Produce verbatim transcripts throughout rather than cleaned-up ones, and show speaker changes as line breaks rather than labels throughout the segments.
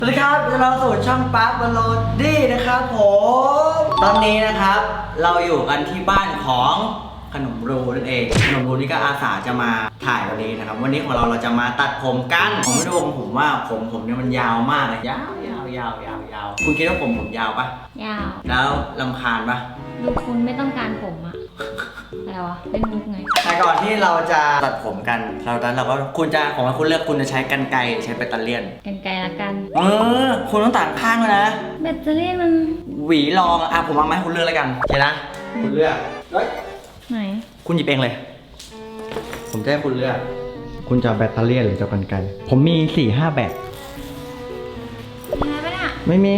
สวัสดีครับเราสู่ช่องปาร์คบอลโลดี้นะครับผมตอนนี้นะครับเราอยู่กันที่บ้านของขนมรูนั่นเองขนมรูนี่ก็อาสาจะมาถ่ายวันนี้นะครับวันนี้ของเราเราจะมาตัดผมกันผมไม่รู้ของผมว่าผมผมเนี่ยมันยาวมากเลยยาวยาวยาวยาวยาวคุณคิดว่าผมผมยาวปะ
ยาว
แล้วรำคาญปะ
ดูคุณไม่ต้องการผมอะอะไรวะเล่นมุกไง
แต่ก่อนที่เราจะตัดผมกันเราตอนเราก็คุณจะของคุณเลือกคุณจะใช้กรรไกรใช้แบตเตอรี่ยน
กันไกลละกัน
เออคุณต้องตัดข้างเลยนะ
แบตเตอรี่มัน
หวีรองอ่ะผมเอามาให้คุณเลือกแล้วกันโอเคนะคุณเลือกเฮ้ย
ไหน
คุณหยิบเองเลย ผมจะให้คุณเลือกคุณจะเอาแบตเตอรี่ยนหรือจะเอากรรไกรผมมีสี่ห้าแบบ
มีอะไรปะเนี่ย
ไม่มี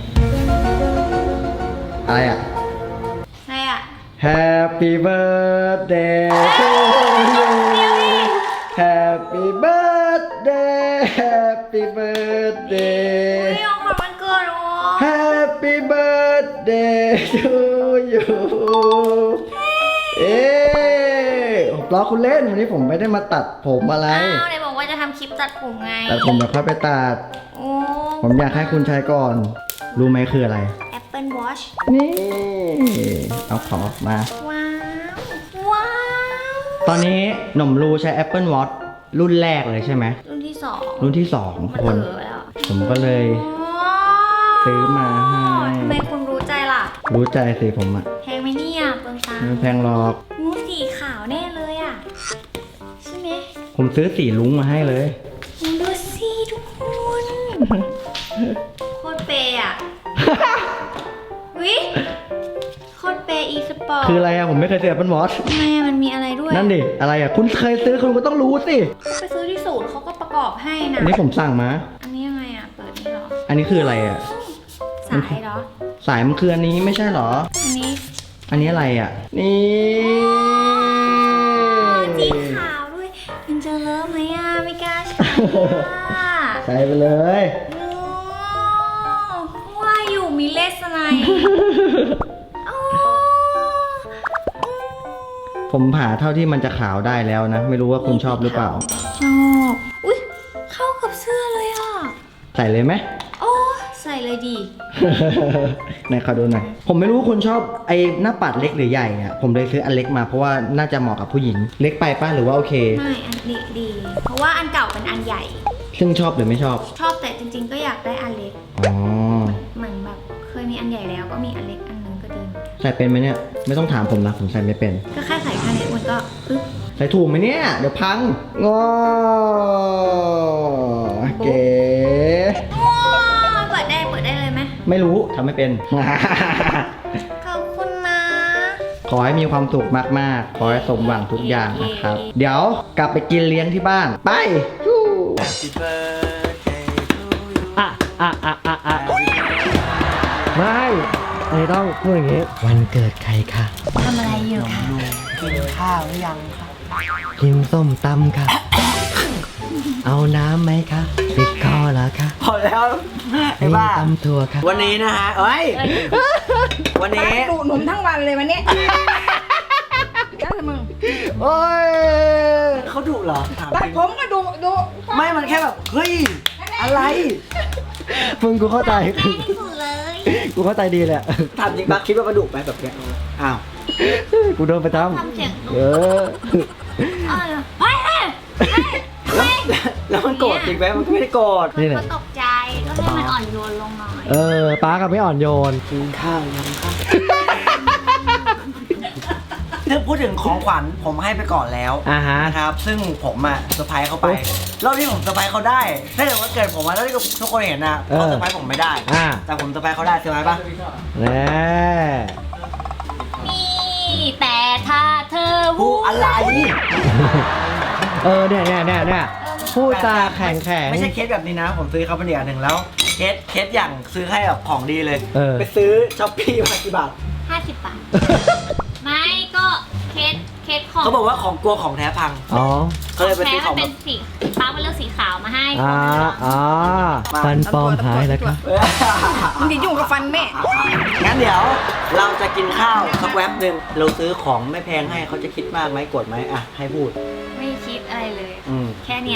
อะไรอ่ะ
อะไรอะ
Happy birthday to you Happy birthday Happy
อุ้
birthday
ยของขวัญวันเกิดเหรอ
Happy birthday to you เอ๊ะผมล้อคุณเล่นวันนี้ผมไม่ได้มาตัดผมอะไร
อ้าวไหนบอกว่าจะทำคลิปตัดผมไง
แต่ผมจะค่อยไปตัด
โอ้
ผมอยากให้คุณใช้ก่อน รู้ไหมคืออะไร
Apple Watch
นี่ เอาของออกมา
ว้าว ว้าว
ตอนนี้หนุ่มรูใช้ Apple Watch รุ่นแรกเลยใช่ไหม
รุ่นที่สอง
รุ่นที่สอง
มัน
คน
เออไปแล้ว
ผมก็เลย
อ๋อ
ซื้อมาให้
ทำไมคุณรู้ใจล่ะ
รู้ใจสิผมอะ
แพงไหมเนี่ยเปลืองตัง
ไม่
ค์
แพงหรอก
งูสีขาวแน่เลยอ่ะ ใช่ไหม
ผมซื้อสีลุ้งมาให้เลย
ดูสิทุกคนโคตรเปย์อ่ะ วิโคตรเปย์อีสปอร์ต
คืออะไรอะผมไม่เคยซื้อ Apple Watch
ทำไมอะมันมีอะไรด้วย
นั่นดิ อะไรอะคุณเคยซื้อคุณก็ต้องรู้สิ
ไปซื้อที่ศูนย์เขาก็ประกอบให้นะ
อันนี้ผมสั่งมา
อันนี้ยังไงอ่ะ เปิดนี่เหรอ
อันนี้คืออะไรอะ
สายเหรอ
สายมันคืออันนี้ไม่ใช่เหรอ
อันนี้
อันนี้อะไรอะนี่
สีขาวด้วยยังจะเลิฟไหมอ่ะไม่กล้าใช้อ่ะ
ใส่ไปเลย
โอ้ว่าอยู่มีเลสไนอ๋อ
ผมผ่าเท่าที่มันจะขาวได้แล้วนะ ไม่รู้ว่าคุณชอบหรือเปล่า
ชอบอุ้ยเข้ากับเสื้อเลยอ่ะ
ใส่เลยไหม
โอ้ใส่เลยดี
ไหนขอดูหน่อย ผมไม่รู้ว่าคุณชอบไอ้หน้าปัดเล็กหรือใหญ่อะผมเลยซื้ออันเล็กมาเพราะว่าน่าจะเหมาะกับผู้หญิง เล็กไปป้ะหรือว่าโอเค
ไม่อันนี้ดี เพราะว่าอันเก่าเป็นอันใหญ่
ซึ่งชอบหรือไม่ชอบ
ชอบแต่จริง ๆ ก็อยากได้อันเล็ก
อ๋อ
เหมือนแบบเคยมีอันใหญ่แล้วก็มีอันเล็กอันนึงก็ดี
ใส่เป็นไหมเนี่ย ไม่ต้องถามผมนะผมใส่ไม่เป็น
ก็แค่ใส่แค่นี้มันก็ปึ๊บ
ใส่ถูกไหมเนี่ย เดี๋ยวพังงอเก๋
ว้าวเปิดได้เปิดได้เลยไหม
ไม่รู้ทำไม่เป็น
ขอบคุณนะ
ขอให้มีความสุขมากๆ ขอให้สมหวังทุกอย่างนะครับ เดี๋ยวกลับไปกินเลี้ยงที่บ้าน ไปยูอ่ะอ่ะอ่ะอ่ะอ่ะไม่ไม่ต้องพูดอย่างงี้ วันเกิดใครคะ
ทำอะไรอยู่คะ
กินข้าวหรือยังคะ
กินส้มตำค่ะ เอาน้ำไหมคะติดคอเหรอคะ
พอแล้วไอ้
มี
บ้า
ตำถั่วค่ะ
วันนี้นะฮะเอ้ย วันนี้
ดูหนุ่มทั้งวันเลยวันนี้แล้วมึง
โอ้ยเขาดุเหรอถาม
ตัด
จริง
ผมก็ดูดู
ไม่มันแค่แบบ เฮ้ย อะไร
มึงกูเข้าใจ
ไม่ได้สุดเลย
กูเข้าใจดีแหละ
ถามจริงปะคิดว่ามันดุไหมแบบเนี้ยอ้าว
กูโดนประจ
ทำเสียง
ำเออ
อ๋อเฮ้ยเฮ้ยเฮ้ย
แล้วแล้วมันโกรธจริงไหมมันก็ไม่ได้โกรธ
นี่แห
ก็
ละ
ตกใจก็ให้มันอ่อนโยนลงหน่อย
เออป้ากับไม่อ่อนโยน
กินข้าวยังคะถ้าพูดถึงของขวัญผมให้ไปก่อนแล้ว
อ่าฮะ
นะครับ ซึ่งผมอะเซอร์ไพรส์เขาไปรอบที่ผมเซอร์ไพรส์เขาได้ ถ้าเกิดว่าเกิดผมอะแล้วที่ทุกคนเห็นอะเขาเซอร์ไพรส์ผมไม่ได้
อ่า
แต่ผมเซอร์ไพรส์เขาได้เซอร์ไพรส์ปะ
แน่
นี่แต่ถ้าเธอ
ผู้อะไร
เออเนี่ยเนี่ยเนี่ยเนี่ยพูดจาแข็งแข็ง
ไม่ใช่เคสแบบนี้นะ ผมซื้อเขาเป็นอีกอันหนึ่งแล้วเคสเคสอย่างซื้อให้แบบของดีเลย
เออ
ไปซื้อช้อปปี้มากี่บาท
ห้าสิบบาท ไม่ก็เคสเคสของ
เขาบอกว่าของกลัวของแท้พัง
อ๋อ
ก็เลยไป
แท้
ซื้อข
มั
อง
น
แบ
เป็
บ
นสีป้ามันเลือกสีขาวมาให้
อ่าอ่าฟันปลอมหายแล้วครับ
มึงอย่ายุ่งกับฟันแม่
งั้นเดี๋ยวเราจะกินข้าวสักแวบหนึ่งเราซื้อของไม่แพงให้เขาจะคิดมากไหมโกรธไหมอ่ะให้พูด
ไม่คิดอะไรเลย
อืม
แค่เนี้ย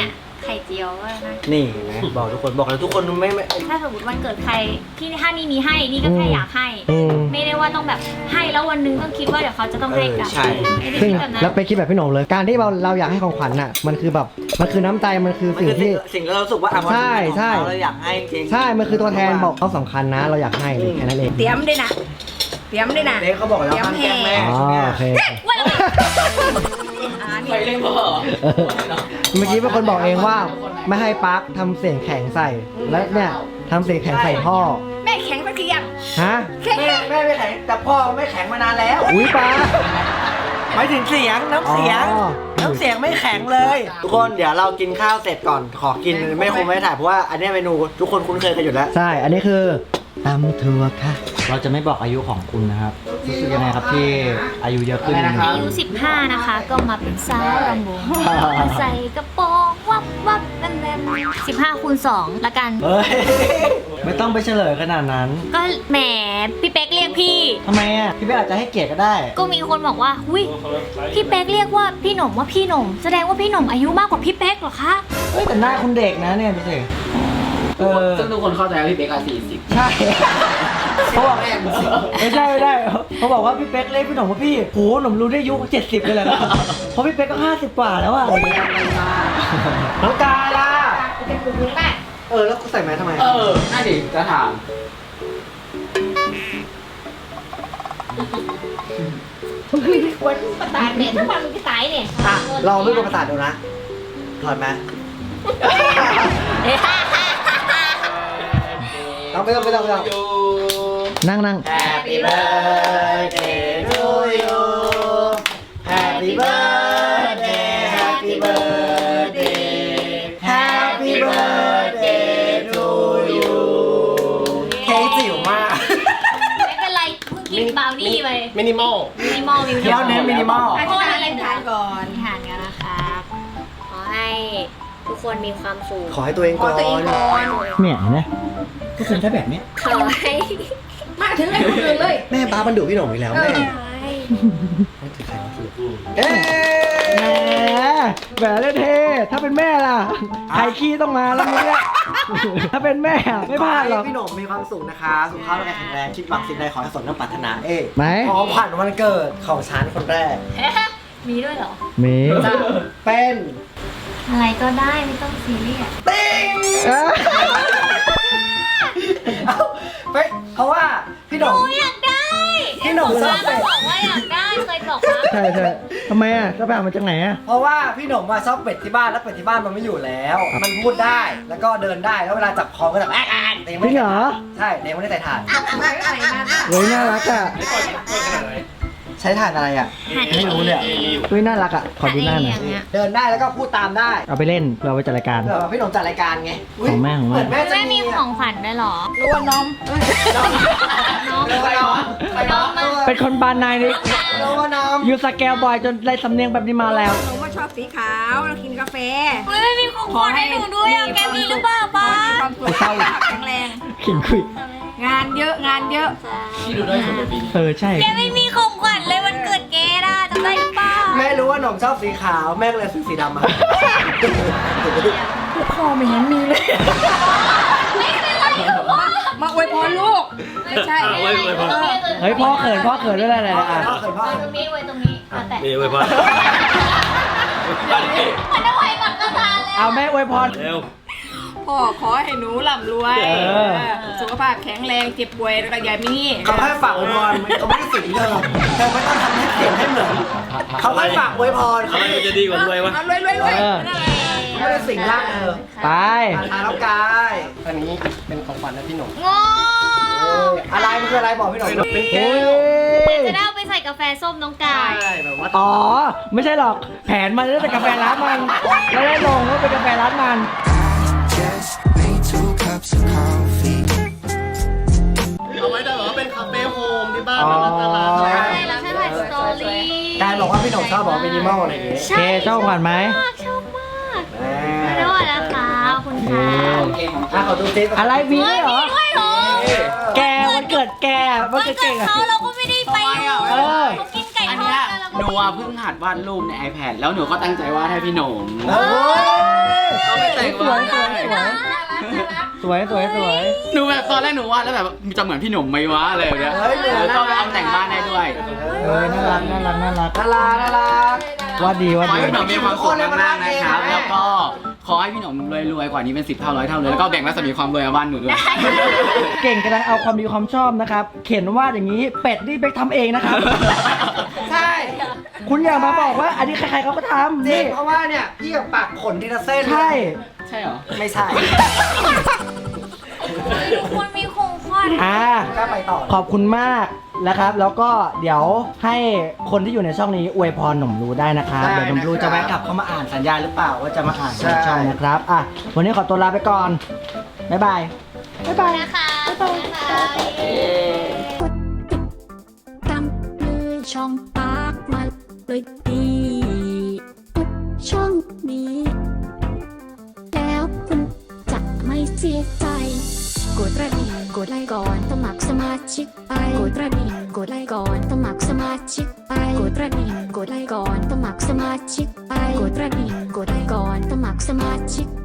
ไข่เจียวก็นะ
นี่นะบอกทุกคนบอกเลยทุกคนไม่ไม่
ถ้าสมมติวันเกิดใครที่ถ้านี่มีให้นี่ก็แค่อยากให้
อืม
ไม่ได้ว่าต้องแบบให้แล้ววันหนึงต้องคิดว่าเดี๋ยวเขาจะต้องให้กลับ
เออใช่
ไม่ได้
ซึ่ง
คิดแบบนั้น
แล้วไปคิดแบบพี่หนุ่มเลย การที่เราเราอยากให้ของขวัญน่ะ มันคือแบบ มันคือน้ำใจ มันคือ
มัน
สิ่ง
คือสิ่
ที่
งสิ่งที่เรารู้สึกว่าอ่ะ
ใช่ใช่
เราอยากให้จริง
ใช่ มันคือตัวแทนบอกเขาสำคัญนะ เราอยากให้เลยแค่นั้นเอง
เตรียมด้วยนะเตรียมด้วยนะ
เด็กเขาบอกแล้วห้ามแกล้งแม่
อ๋อ
ใช่ไหม
โอเค
ว่าแล้วไง
อ่านี่
ไปเล่นพ่อ
เออเมื่อกี้เป็นคนบอกเองว่าไม่ให้ปาร์คทำเสียงแข็งใส่ แล้วเนี่ยทำเสียงแข็งใส่พ่อ
แม่แข็งสักทียัง
ฮะ
แข็ง
แม่แม่ไม่แข็งแต่พ่อไม่แข็งมานานแล้ว
อุ้ยปาร์ค
หมายถึงเสียงน้ำเสียง
อ๋อ
น้ำเสียงไม่แข็งเลย ทุกคนเดี๋ยวเรากินข้าวเสร็จก่อนขอกินไม่คงไม่ถ่ายเพราะว่าอันเนี้ยเมนูทุกคนคุ้นเคยกันอยู่แล้ว
ใช่ อันนี้คือตำถั่วค่ะ
เราจะไม่บอกอายุของคุณนะครับรู้สึกยังไงครับที่อายุเยอะขึ้น
อายุสิบห้านะคะ ก็มาเป็นสาวรำวงมาใส่กระโปรงวับวับแบนแบนสิบห้าคูณสองละกัน
เฮ้ยไม่ต้องไปเฉลยขนาดนั้น
ก็แหมพี่เป๊กเรียกพี่
ทำไมอ่ะพี่เป๊กอาจจะให้เกียรติก็ได้
ก็มีคนบอกว่าหุยพี่เป๊กเรียกว่าพี่หนุ่มว่าพี่หนุ่มแสดงว่าพี่หนุ่มอายุมากกว่าพี่เป๊กเหรอคะ
เฮ้ยแต่หน้าคุณเด็กนะเนี่ยดูสิเออ
ซึ่งทุกคนเข้าใจว่าพี่เบคอาสี่สิบ
ใช่เขาบอกไม่ใช่ไม่ได้เขาบอกว่าพี่เป๊กเรียกพี่หนุ่มว่าพี่โหหนุ่มรู้ได้อายุเจ็ดสิบเลยแหละเพราะพี่เป๊กก็ห้าสิบกว่าแล้วอ่ะน้องกาล่ะ
เป็นกลุ่มนึงแม่
เออแล้วกูใส่แมสทำไม
เออน่าดิจะถาม
ควรประสาทเนี่ยถ้าวันมันจะตายเนี่ย
อ่ะลองไม่กลัวประสาทดูนะถอดไหมต้องไม่ต้องไม่ต้องไม่ต้อง
นั่งนั่ง
Happy birthday to you Happy birthday Happy birthday Happy birthday to you เค้กจิ๋วมาก
ไม่เป็นไรเพิ่งกินบราวนี่ไป
มินิมอล
มินิมอลมินิ
เคี้ยวเน้นมินิมอล
อธิษฐานอะไรทานก่อน
ทานกันนะคะขอให้ทุกคนมีความสุข
ขอให้ตัวเอง
ข
ก่
อ
อน
ตัวเองก่อน
เนี่ยเห็นไหม
ก็คือถ้าแบบนี้
ขอให้
มาถึงให้คนอื่นเลย
แม่ป้ามันดุพี่หนุ่มอีกแล้วแม่ เอ๊ะ
แหมแบบเท่ๆถ้าเป็นแม่ล่ะใครขี้ต้องมาแล้วมึงเนี่ยถ้าเป็นแม่อะไม่พลาดหรอก
พี่หนุ่มมีความสุขนะคะสุขภาพร่างกายแข็งแรงคิดหวังสิ่งใดขอให้สมดังปรารถนาเอ๊ะ
ไหน
ของขวัญวันเกิดของฉันคนแรก
มีด้วยเหรอ
มี
จะเป็น
อะไรก็ได้ไม่ต้องซีเรียส
ติ้ง
เอ้ย
เอ้าไปเพราะว่าพี่หนุ่ม
หนูอยากได้
พี่หนุ่มชอบ
ก็
เป็ด
บอกว่าอยากได้เคยบอกว่า
ใช่ใช่ทำไมอ่ะก็ไปเอามาจากไหนอ่ะ
เพราะว่าพี่หนุ่มมาชอบเป็ดที่บ้านแล้วเป็ดที่บ้านมันไม่อยู่แล้ว มันพูดได้แล้วก็เดินได้แล้วเวลาจับคอก็แบบแอ๊กแอ๊กแต่ยัง
จริ
ไม่
งเหรอ
ใช่แต่ยังไม่ได้ใส่ถ่าน
มาก็ใส่มาค่ะ
เฮ้ยน่ารักอ่ะ
ใช้ถ่านอะไรอ่ะไม่รู้เลยอะ
เฮ้ยน่ารักอ่ะขอดูหน้าหน่อย
อย่างเงี้ย
เดินได้แล้วก็พูดตามได้
เอาไปเล่นเพื่อเอาไปจัดรายการ
เผื่อว่าพี่หนุ่มจัดรายการไงย
ของแม่ของแม่
เหมือนแม่จะ
แม่มี
มี
ของขวัญด้วยเหรอ
รู้ว่านม
น้อง
ไปน้องไปน้อง
เป็นคนบานนายนี่
รู้ว่าน้อง
ยูสแกลบอยจนได้สำเนียงแบบนี้มาแล้ว
หนูว่าชอบสีขาวเรากินกาแฟ
เฮ้ยไม่มีของขวัญให้หนูด้วยอ่ะแกมีหรือเปล่าป้า
ขอให้มีความสุขสุขภาพแข็งแรง
ขิงคุย
งานเยอะงานเยอะ
ที่ดูได้สุดในปีนี้
เออใช่
แกไม่มีของขวัญเลยวันเกิดแกน่ะจำได้หรือเปล่า
แม่รู้ว่าหนุ่มชอบสีขาวแม่ก็เลยซื้อสีดำมา
พ่อไม่เห็นมีเลย
ไม่เป็นไรหรอก
มาอวยพรลูก ไม่ใช่
เอาไว้ไว้พอ
เฮ้ยพ่อเขินพ่อเขินด้วยอะไร
พ่อ
อ่ะ
เขินพ่อ
ไว้
เขิน
ตรงนี้ไว้ตรงนี้เอาแต่
นี่ไว้พอ
มันเอาไว้บัตรประธานแล้ว
เอาแม่อวยพร
เร็ว
พ่อขอให้หนูร่ำรวย
เออ
สุขภาพแข็งแรงเจ็บป่วยแล้วก็อย่ามี
เขาแค่ฝากอวยพรเขาไม่ได้สิงเธอเธอไม่ต้องทำให้เสียงให้เหมือนเขาแค่ฝากอวยพร
อะไรมันจะดีกว่าด้วยวะ
เอารวยรวยรวย
เออ
เขาไม่ได้สิงร่างเธอ
ไป
ทาน้องกาย
อันนี้เป็นของขวัญนะพี่หนุ่ม
งอ
อะไรมันคืออะไรบอกพี่หน่อยเป็น
เฮ้
แก้วย
จะได้เอาไปใส่กาแฟส้มน้องกาย
ใช่แบบว่า
อ๋อ ไม่ใช่หรอก แผนมันจะเป็นกาแฟร้านมันแล้วได้ลงว่าเป็นกาแฟร้านมัน
Just made two cups of coffee.
เอาไว้ได้เหรอเป็นคาเฟ่โฮมที่บ้าน
อ๋อ
เป็นตลาด
ใช่แล้วใช่ไหมสตอรี่
กายบอกว่าพี่หน่อยชอบบอกมินิมอลอะไรอย่างเงี้ย
เคเจ้าขวัญไหม
มากชอบมากไม่ได้ว่านะคะขอบคุณค่ะ
อ่ะขอดูซิ
อะไรมีด้วยเหรอ
มีด้วยเหรอ
แกวันเกิดแกวัน
วัน
เกิด
เกิ
เก่
ด
งอะ
เขาเราก็ไม่ได้ไป
เออ
เขากินไก่ทอดกันแล้วก็
หนูอะเพิ่งหัดวาดรูปใน iPad แล้วหนูก็ตั้งใจวาดให้พี่หนง
เฮ้ย
ก็ไม่แต่ง
สว
วาย ด
สวยสวยสวยสวยสวย
หนูแบบตอนแรกหนูวาดแล้วแบบจะเหมือนพี่หนงไหมวะอะไรแบบเนี้ย
เฮ้ยเหมือน
แล้วก็เอาแต่งบ้านได้ด้วย
เอ้ยน่ารักน่ารักน่ารักน่ารักน่ารักว่าดี
ข
ว่า
อให้
ดี
พี่หนงมีความสุขมากๆนะครับแล้วก็ขอให้พี่หนงรวยๆกว่านี้เป็นสิบเท่าร้อยเท่าเลยแล้วก็แบ่งรัศมีความรวยเอาบ้านหนูด้วย
เก่งกำลังเอาความดีความชอบนะครับ เขียนว่าอย่างนี้เป็ดนี่ไปทำเองนะครับ
ใช่
คุณอย่ามาบอกว่า อันนี้ใครๆเขาก็ทำ
จริ
นี่
งเพราะว่าเนี่ยพี่กับปากขนทีละเส้น
ใช่
ใช่เหรอ
ไม่ใช่
ทุกคนมีโครงข้อนะ
อ่า
ก็ไปต่อ
ขอบคุณมากนะครับ แล้วก็เดี๋ยวให้คนที่อยู่ในช่องนี้อวยพรหนุ่มรู้ได้นะครับ
ได้
เดี๋ยวหนุ่มรู้
นะครับ
จะแวะกลับเข้ามาอ่านสัญญาณหรือเปล่าว่าจะมาอ่าน
ใช่
ในช่องนะครับอ่ะวันนี้ขอตัวลาไปก่อน บ๊ายบาย บ๊ายบาย
นะคะนะคะ
ตามมือช่องปากมาเลยดีทุกช่องนี้ แล้วคุณจะไม่เสียใจ กดกระดิ่งกดไลค์ก่อนสมัครสมาชิกไปกดกระดิ่งกดไลค์ก่อนสมัครสมาชิกไปกดกระดิ่งกดไลค์ก่อนสมัครสมาชิกไปกดกระดิ่งกดไลค์ก่อนสมัครสมาชิก